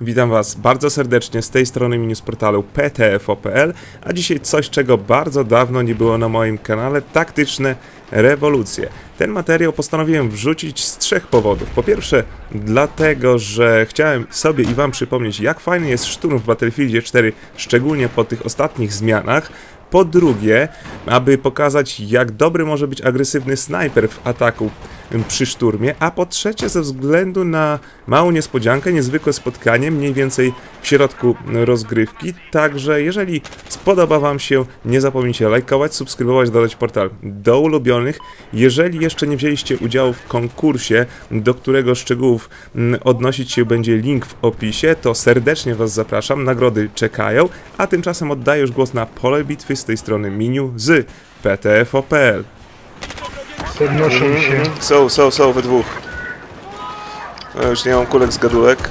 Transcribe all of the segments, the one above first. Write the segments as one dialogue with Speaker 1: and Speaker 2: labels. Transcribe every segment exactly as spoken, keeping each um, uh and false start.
Speaker 1: Witam Was bardzo serdecznie z tej strony mini z portalu P T F O kropka P L, a dzisiaj coś, czego bardzo dawno nie było na moim kanale, taktyczne rewolucje. Ten materiał postanowiłem wrzucić z trzech powodów. Po pierwsze, dlatego, że chciałem sobie i Wam przypomnieć, jak fajny jest szturm w Battlefieldzie cztery, szczególnie po tych ostatnich zmianach. Po drugie, aby pokazać, jak dobry może być agresywny snajper w ataku przy szturmie, a po trzecie, ze względu na małą niespodziankę, niezwykłe spotkanie, mniej więcej w środku rozgrywki. Także jeżeli spodoba Wam się, nie zapomnijcie lajkować, subskrybować, dodać portal do ulubionych. Jeżeli jeszcze nie wzięliście udziału w konkursie, do którego szczegółów odnosić się będzie link w opisie, to serdecznie Was zapraszam, nagrody czekają, a tymczasem oddaję już głos na pole bitwy z tej strony Miniu z P T F O kropka P L.
Speaker 2: Podnoszą się.
Speaker 1: Są, są, są we dwóch. No, już nie mam kulek z gadulek.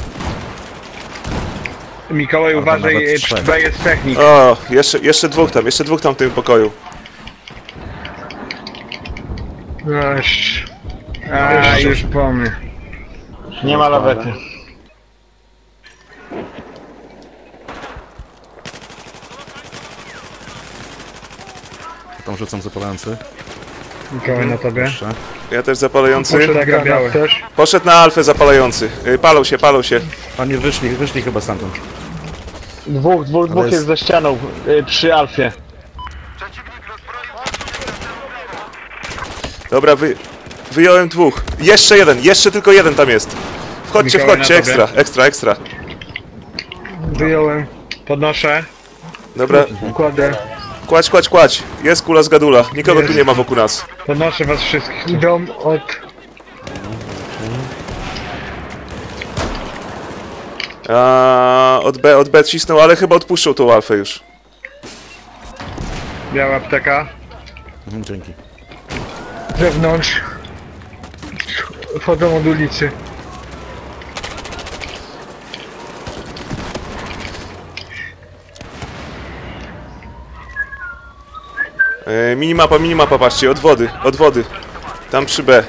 Speaker 2: Mikołaj, uważaj, B jest technik.
Speaker 1: O, jeszcze, jeszcze dwóch tam, jeszcze dwóch tam w tym pokoju.
Speaker 2: Aż... A, już po mnie. Nie ma lawety.
Speaker 3: Tam rzucam zapalający.
Speaker 2: Mikołaj na tobie.
Speaker 3: Proszę.
Speaker 1: Ja też zapalający.
Speaker 2: Poszedł na biały też.
Speaker 1: Poszedł na alfę zapalający. Yy, palą się, palą się.
Speaker 3: Oni wyszli, wyszli chyba stamtąd.
Speaker 2: Dwóch, dwóch, dwóch
Speaker 3: jest-
Speaker 2: jest za ścianą y, przy Alfie.
Speaker 1: Dobra, wy... wyjąłem dwóch. Jeszcze jeden, jeszcze tylko jeden tam jest. Wchodźcie,
Speaker 2: Mikołaj,
Speaker 1: wchodźcie,
Speaker 2: na tobie.
Speaker 1: ekstra, ekstra, ekstra.
Speaker 2: Wyjąłem. Podnoszę.
Speaker 1: Dobra,
Speaker 2: Kładę.
Speaker 1: kładź, kładź, kładź. Jest kula z gadula. Nikogo
Speaker 2: Jest.
Speaker 1: tu nie ma wokół nas.
Speaker 2: Podnoszę was wszystkich. Idą od...
Speaker 1: A, od B, od B cisnął, ale chyba odpuszczą tą alfę już.
Speaker 2: Biała apteka.
Speaker 3: Mhm, dzięki.
Speaker 2: Z zewnątrz. Wchodzą od ulicy.
Speaker 1: E, minimapa, minimapa, patrzcie, od wody, od wody. Tam przy B.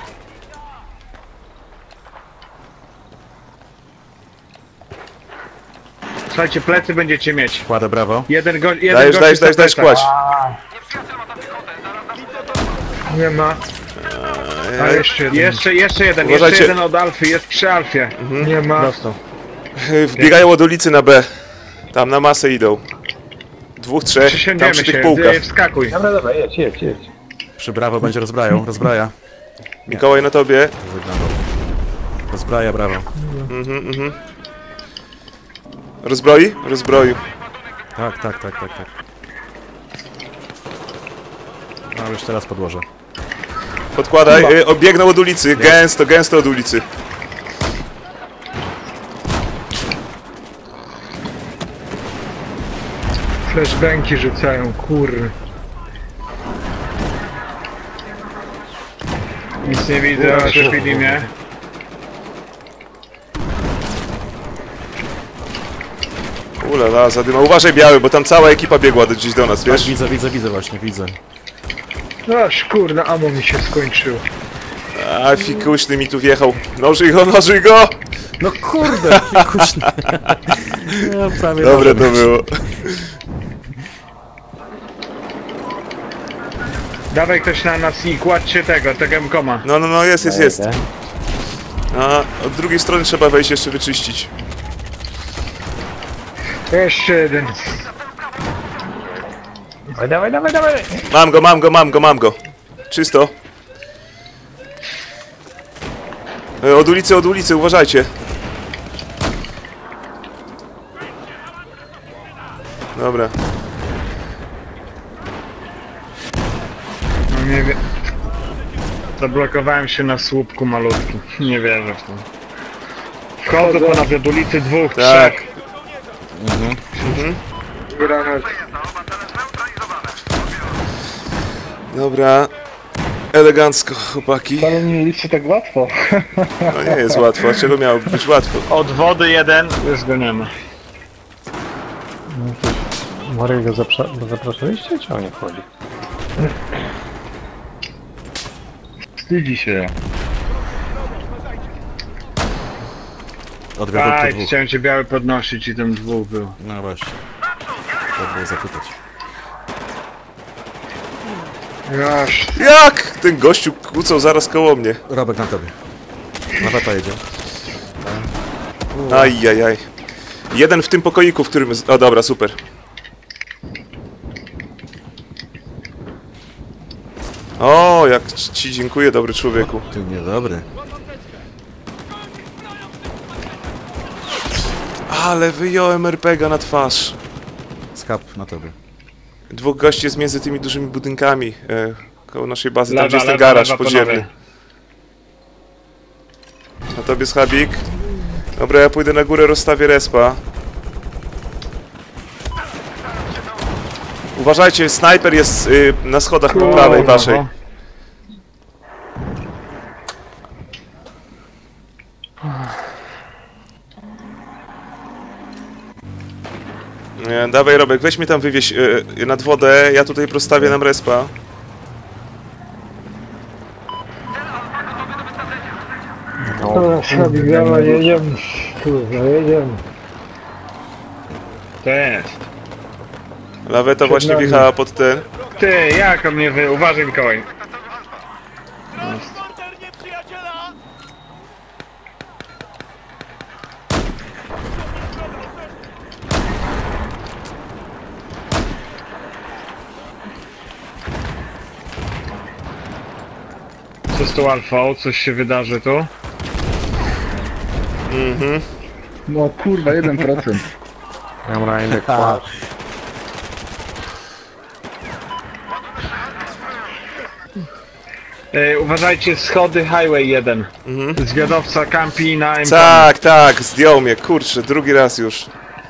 Speaker 2: Słuchajcie, plecy będziecie mieć.
Speaker 3: Kładę brawo.
Speaker 2: Jeden go, jeden
Speaker 1: Dajesz,
Speaker 2: gość
Speaker 1: dajesz,
Speaker 2: jest
Speaker 1: dajesz,
Speaker 2: na
Speaker 1: dajesz,
Speaker 2: plecach.
Speaker 1: kładź.
Speaker 2: Nie ma. A jeszcze jeden. Jeszcze, jeszcze jeden,
Speaker 1: Uważajcie.
Speaker 2: jeszcze jeden od Alfy, jest przy Alfie. Nie ma. Dostał.
Speaker 1: E, Wbiegają od ulicy na B. Tam na masę idą. Dwóch, trzech, tam
Speaker 2: Przysiądziemy
Speaker 1: przy
Speaker 2: się,
Speaker 1: tych półkach.
Speaker 2: Ej, wskakuj.
Speaker 4: Dobra, dobra, jedź, jedź, jedź.
Speaker 3: Przy brawo będzie rozbrajał, rozbraja.
Speaker 1: Mikołaj na tobie.
Speaker 3: Wyglądał. Rozbraja brawo.
Speaker 1: Mhm, mhm. Rozbroi? Rozbroił.
Speaker 3: Tak, tak, tak, tak, tak. No już teraz podłożę.
Speaker 1: Podkładaj, e, obiegną od ulicy, gęsto, gęsto od ulicy.
Speaker 2: Flashbanki rzucają, kurry. Nic nie widzę, oświetli mnie.
Speaker 1: Ulala, zadyma. Uważaj biały, bo tam cała ekipa biegła do, gdzieś do nas,
Speaker 3: Tak,
Speaker 1: wiesz?
Speaker 3: widzę, widzę, widzę właśnie, widzę.
Speaker 2: Aż kurna, amo mi się skończyło.
Speaker 1: A fikuśny mi tu wjechał. Nożyj go, nożyj go!
Speaker 3: No kurde, kuśny. No, prawie
Speaker 1: Dobre
Speaker 3: dobrze.
Speaker 1: to było.
Speaker 2: Dawaj ktoś na nas i kładźcie tego, tego M-koma.
Speaker 1: No, no, no, jest, jest, jest.
Speaker 4: Idę.
Speaker 1: A od drugiej strony trzeba wejść jeszcze wyczyścić.
Speaker 2: Jeszcze jeden.
Speaker 4: Dawaj, dawaj, dawaj, dawaj!
Speaker 1: Mam go, mam go, mam go, mam go. Czysto. E, Od ulicy, od ulicy, uważajcie. Dobra.
Speaker 2: No nie wiem. Zablokowałem się na słupku malutkim. Nie wierzę w to. Wchodzę ponad od ulicy dwóch,
Speaker 1: Tak.
Speaker 2: trzech.
Speaker 3: Mhm.
Speaker 2: Granat.
Speaker 1: Dobra. Elegancko, chłopaki.
Speaker 2: Ale nie ulicy tak łatwo.
Speaker 1: No nie jest łatwo, a czego miałoby być łatwo?
Speaker 2: Od wody jeden. Już go nie ma.
Speaker 4: Marek go zapra- zapraszaliście, czy on nie wchodzi?
Speaker 2: Wstydzi się.
Speaker 3: Od wiaduktu
Speaker 2: Aj,
Speaker 3: dwóch.
Speaker 2: chciałem cię biały podnosić i tam dwóch było.
Speaker 3: No właśnie. Tak było zapytać.
Speaker 2: Aż.
Speaker 1: Jak? Ten gościu kłócał zaraz koło mnie.
Speaker 3: Robek na tobie. Na weta jedzie.
Speaker 1: Ajajaj. Jeden w tym pokoiku, w którym... O dobra, super. O, jak ci dziękuję, dobry człowieku.
Speaker 3: Ty niedobry.
Speaker 1: Ale wyjąłem er pe ga na twarz.
Speaker 3: Skap na tobie.
Speaker 1: Dwóch gości jest między tymi dużymi budynkami e, koło naszej bazy, tam
Speaker 2: Lewa,
Speaker 1: gdzie jest ten
Speaker 2: lewa,
Speaker 1: garaż
Speaker 2: lewa,
Speaker 1: podziemny.
Speaker 2: panowie.
Speaker 1: Na tobie schabik. Dobra, ja pójdę na górę, rozstawię respa. Uważajcie, snajper jest y, na schodach po prawej waszej.
Speaker 2: no.
Speaker 1: Nie, dawaj Robek, weź mnie tam wywieź y, nad wodę, ja tutaj prostawię nam respa.
Speaker 5: Dobra, Szabik, dawaj, jedziemy. Kurwa, jedziemy.
Speaker 2: To jest.
Speaker 1: Laweta właśnie
Speaker 5: nami.
Speaker 1: wjechała pod ten.
Speaker 2: Ty, jak on mnie wy... Uważaj, Mikołaj. Co z tą alfą? Coś się wydarzy tu?
Speaker 1: Mhm.
Speaker 6: No kurwa, jeden procent.
Speaker 4: Dobra, inny kład.
Speaker 2: E, uważajcie, schody Highway jeden.
Speaker 1: Mhm.
Speaker 2: Zwiadowca kampi na M.
Speaker 1: Tak, tak, zdjął mnie, kurczę, drugi raz już.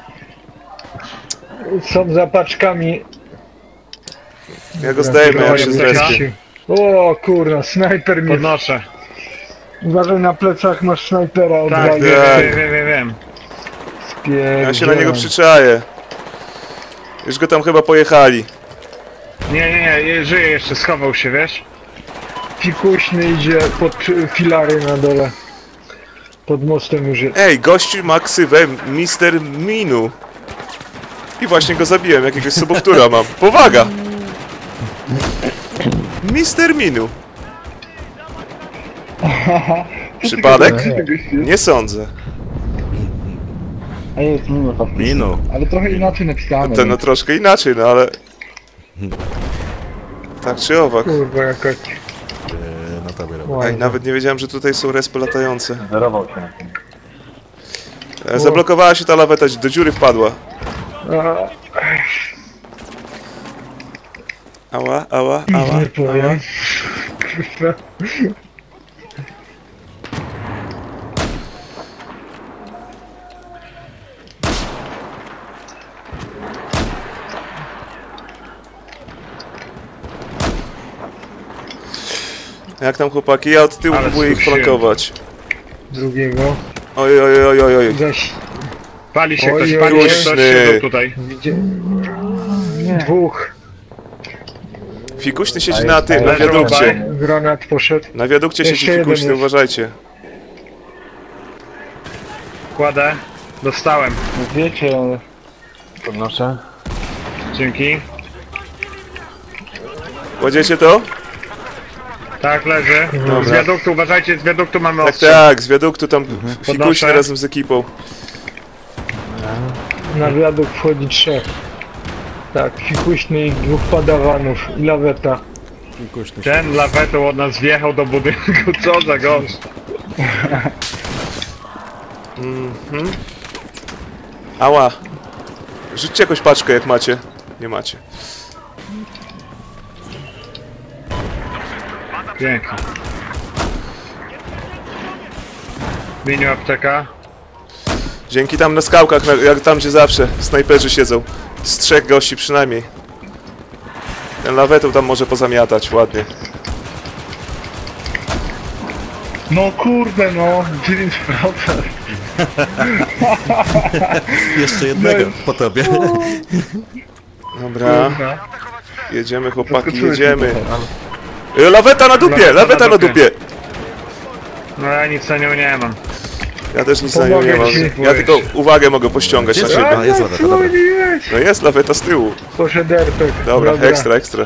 Speaker 5: Są za paczkami.
Speaker 1: Ja go zdejmę, jak się zrespię.
Speaker 5: O kurwa, snajper mnie.
Speaker 2: Podnoszę.
Speaker 5: Uważaj, na plecach masz snajpera od
Speaker 2: Tak,
Speaker 5: razu.
Speaker 2: wiem,
Speaker 1: tak.
Speaker 2: wiem, wiem, wiem, wiem.
Speaker 1: Ja się na niego przyczaję. Już go tam chyba pojechali.
Speaker 2: Nie, nie, nie, je- żyje jeszcze, schował się, wiesz?
Speaker 5: Fikuśny idzie pod y, filary na dole. Pod mostem już jest.
Speaker 1: Ej, gościu ma ksywę mister Minu. I właśnie go zabiłem, jakiegoś sobowtóra mam. Powaga! mister Minu. Przypadek? Nie sądzę.
Speaker 6: A jest mimo faktycznie.
Speaker 3: Minu.
Speaker 6: Ale trochę inaczej napisane.
Speaker 1: To no troszkę inaczej, no ale... Tak czy owak.
Speaker 5: Kurwa, jakoś.
Speaker 3: Yy, na tobie Robek.
Speaker 1: Ej, nawet nie wiedziałem, że tutaj są respy latające.
Speaker 4: Zerował się na tym.
Speaker 1: E, Zablokowała się ta laweta, do dziury wpadła.
Speaker 5: A,
Speaker 1: Ała, ała, ała.
Speaker 5: nie powiem. Kurwa.
Speaker 1: Jak tam chłopaki? Ja od tyłu
Speaker 2: Ale
Speaker 1: próbuję ich
Speaker 2: słyszałem.
Speaker 1: flankować.
Speaker 5: Drugiego.
Speaker 1: Oj, oj, oj, oj, oj.
Speaker 5: Zaś
Speaker 2: Pali się
Speaker 5: Oj,
Speaker 2: ktoś,
Speaker 5: oj,
Speaker 2: pali
Speaker 5: oj.
Speaker 2: się ktoś,
Speaker 1: Głośny.
Speaker 2: siedzą tutaj.
Speaker 5: widzie... Dwóch.
Speaker 1: Fikuśny siedzi na tym, na
Speaker 2: Leży
Speaker 1: wiadukcie.
Speaker 2: obaj.
Speaker 5: Granat poszedł.
Speaker 1: Na wiadukcie siedzi
Speaker 5: Jeszcze jeden
Speaker 1: fikuśny,
Speaker 5: jest.
Speaker 1: uważajcie.
Speaker 2: Kładę. Dostałem.
Speaker 6: Wiecie, ale...
Speaker 4: Podnoszę.
Speaker 2: Dzięki.
Speaker 1: Kładziecie to?
Speaker 2: Tak, leży.
Speaker 1: Dobra.
Speaker 2: Z wiaduktu, uważajcie, z wiaduktu mamy
Speaker 1: Tak,
Speaker 2: ostrzał.
Speaker 1: tak, z wiaduktu tam fikuśny
Speaker 2: Podnoszę.
Speaker 1: razem z ekipą.
Speaker 5: Na wiadukt wchodzi trzech. Tak, fikuśny i dwóch padawanów. I laweta.
Speaker 3: Kuśny.
Speaker 2: Ten lawetą od nas wjechał do budynku, co za gość.
Speaker 1: Mhm. Ała. Rzućcie jakąś paczkę, jak macie. Nie macie.
Speaker 2: Pięknie. Miniu apteka.
Speaker 1: Dzięki tam na skałkach, na, jak tam gdzie zawsze snajperzy siedzą. Z trzech gości przynajmniej. Ten lawetą tam może pozamiatać ładnie.
Speaker 6: No kurde no, dziewięć procent.
Speaker 3: Jeszcze jednego po tobie.
Speaker 1: Dobra. Jedziemy chłopaki,
Speaker 6: Zaskoczyłeś
Speaker 1: jedziemy.
Speaker 6: mnie trochę,
Speaker 1: E, Laweta na dupie,
Speaker 2: Laweta na
Speaker 1: laweta na
Speaker 2: dupie.
Speaker 1: dupie.
Speaker 2: No ja nic na nią nie mam.
Speaker 1: Ja też nic na nią nie
Speaker 5: Pomogę
Speaker 1: mam.
Speaker 5: ci,
Speaker 1: Ja
Speaker 5: powiedz.
Speaker 1: tylko uwagę mogę pościągać na
Speaker 3: Gdzie
Speaker 1: siebie.
Speaker 3: A, jest laweta,
Speaker 5: co
Speaker 3: dobra.
Speaker 5: nie jest?
Speaker 1: No jest laweta z tyłu.
Speaker 5: Poszedł Erpek.
Speaker 1: Dobra, ekstra, ekstra.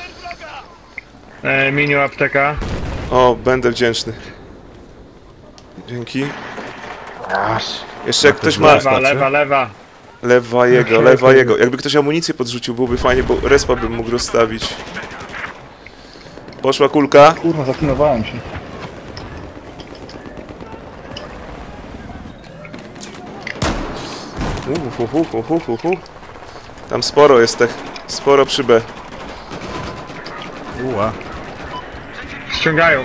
Speaker 2: E, miniu apteka.
Speaker 1: O, będę wdzięczny. Dzięki.
Speaker 4: Aż.
Speaker 1: Jeszcze jak ktoś ma...
Speaker 2: Lewa, lewa, lewa.
Speaker 1: Lewa jego, lewa jego. Jakby ktoś amunicję podrzucił, byłoby fajnie, bo respa bym mógł rozstawić. Poszła kulka.
Speaker 6: Kurwa, zaklinowałem się.
Speaker 1: Uh, uh, uh, uh, uh, uh. Tam sporo jest tych. Sporo przy B.
Speaker 3: Uła.
Speaker 2: Ściągają.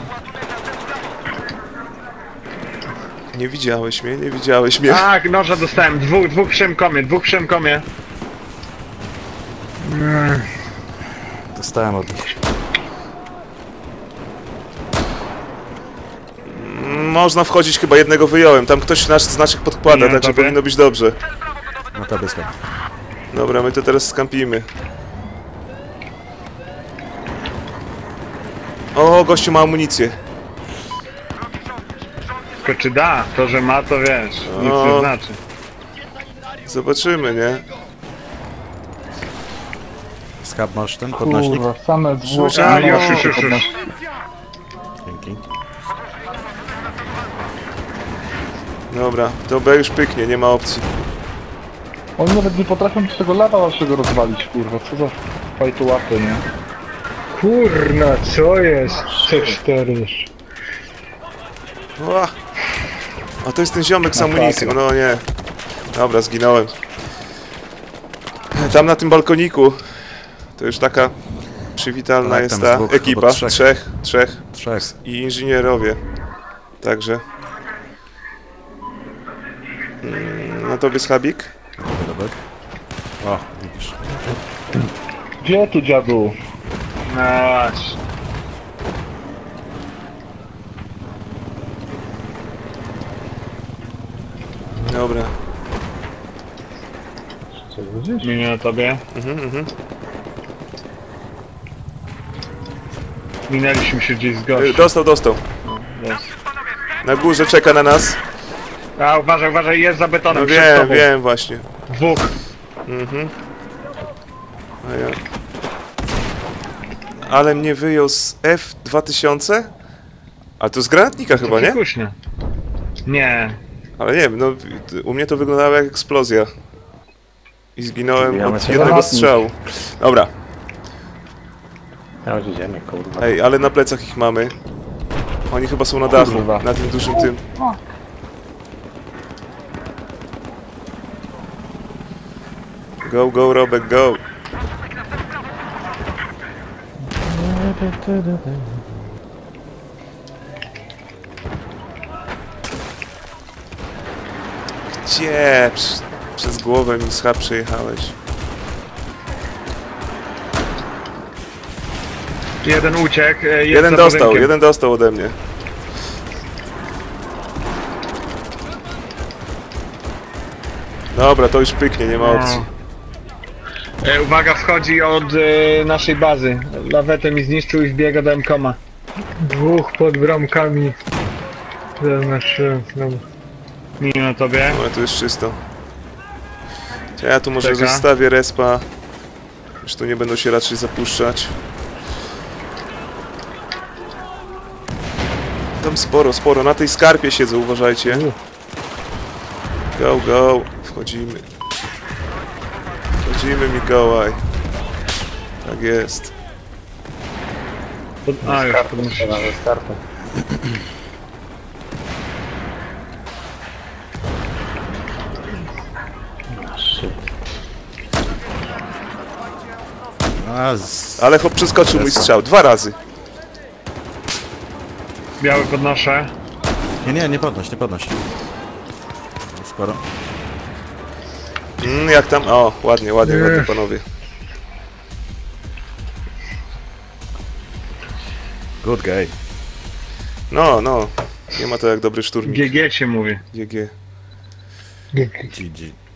Speaker 1: Nie widziałeś mnie, nie widziałeś mnie.
Speaker 2: Tak, noża dostałem. Dwóch, dwóch przy M-komie, dwóch przy M-komie.
Speaker 3: Dostałem od nich.
Speaker 1: Można wchodzić, chyba jednego wyjąłem. Tam ktoś nasz znaczek podkłada,
Speaker 2: Nie,
Speaker 1: także
Speaker 2: dobra.
Speaker 1: powinno być dobrze.
Speaker 3: Na tobie skap.
Speaker 1: Dobra, my to teraz skampimy. O, gościu ma amunicję.
Speaker 2: Tylko czy da? To, że ma, to wiesz. Nic
Speaker 1: O.
Speaker 2: nie znaczy.
Speaker 1: Zobaczymy, nie?
Speaker 3: Skap masz ten podnośnik?
Speaker 6: Kurwa, same zwłoki.
Speaker 1: A,
Speaker 2: A, już, już, już, już.
Speaker 3: Dzięki.
Speaker 1: Dobra, to B już pyknie, nie ma opcji.
Speaker 6: Oni nawet nie potrafią z tego lawa waszego rozwalić, kurwa. Co za fajtu łapy, nie?
Speaker 5: Kurna, co jest? C cztery.
Speaker 1: Ła. A to jest ten ziomek z amunicją, no nie. Dobra, zginąłem. Tam na tym balkoniku to już taka przywitalna
Speaker 3: Tak,
Speaker 1: jest
Speaker 3: tam
Speaker 1: ta
Speaker 3: dwóch,
Speaker 1: ekipa.
Speaker 3: albo trzech.
Speaker 1: Trzech, trzech
Speaker 3: Trzech.
Speaker 1: i inżynierowie. Także. Mm, Na tobie schabik?
Speaker 3: Dobra, dobra. O, widzisz.
Speaker 6: Gdzie tu dziadu?
Speaker 2: No właśnie.
Speaker 1: Dobra.
Speaker 4: Co widzisz?
Speaker 2: Miniu na tobie.
Speaker 1: Mhm, mhm.
Speaker 2: Minęliśmy się gdzieś z
Speaker 1: Y,
Speaker 2: gościem.
Speaker 1: Dostał, dostał.
Speaker 2: Jest.
Speaker 1: Na górze czeka na nas.
Speaker 2: A uważaj, uważaj, jest za betonem
Speaker 1: No
Speaker 2: przed
Speaker 1: wiem,
Speaker 2: tobą.
Speaker 1: wiem właśnie.
Speaker 2: Dwóch.
Speaker 1: Mhm. A ja... Ale mnie wyjął z F dwa tysiące? A to z granatnika chyba, nie?
Speaker 2: Kuśnia. Nie.
Speaker 1: Ale nie wiem, no u mnie to wyglądało jak eksplozja. I zginąłem
Speaker 4: Zbijamy
Speaker 1: od
Speaker 4: się
Speaker 1: jednego
Speaker 6: granatnik.
Speaker 1: strzału. Dobra,
Speaker 4: Ja już idziemy, kurwa.
Speaker 1: ej, ale na plecach ich mamy. Oni chyba są na dachu,
Speaker 6: Kurwa.
Speaker 1: na tym dużym tym. Go, go, Robek, go. Gdzie? Prz- Przez głowę mi schab przejechałeś.
Speaker 2: Jeden uciekł. e, Jest
Speaker 1: Jeden
Speaker 2: za
Speaker 1: dostał,
Speaker 2: budynkiem.
Speaker 1: jeden dostał ode mnie. Dobra, to już pyknie, nie ma
Speaker 2: No.
Speaker 1: opcji.
Speaker 2: E, uwaga, wchodzi od e, naszej bazy. Lawetę mi zniszczył i wbiega do M-koma.
Speaker 5: Dwóch pod bramkami. Zaznaczyłem. Dobra.
Speaker 2: Miniu na tobie.
Speaker 1: Ale tu jest czysto. To ja tu może
Speaker 2: Czeka.
Speaker 1: zostawię respa. Już tu nie będą się raczej zapuszczać. Tam sporo, sporo. Na tej skarpie siedzę, uważajcie. Go, go. Wchodzimy. Wchodzimy, Mikołaj. Tak jest.
Speaker 2: Pod... A, już podnoszę.
Speaker 4: Na wystartu. A, shit.
Speaker 3: A, z...
Speaker 1: Ale chłop przeskoczył mój strzał. Dwa razy.
Speaker 2: Biały podnoszę.
Speaker 3: Nie, nie, nie podnoś, nie podnoś. Sporo.
Speaker 1: Mm, jak tam? O, ładnie, ładnie,
Speaker 5: Nie.
Speaker 1: ładnie, panowie.
Speaker 3: Good guy.
Speaker 1: No, no. Nie ma to jak dobry szturmik.
Speaker 2: G G się mówi.
Speaker 1: G G.
Speaker 3: G G.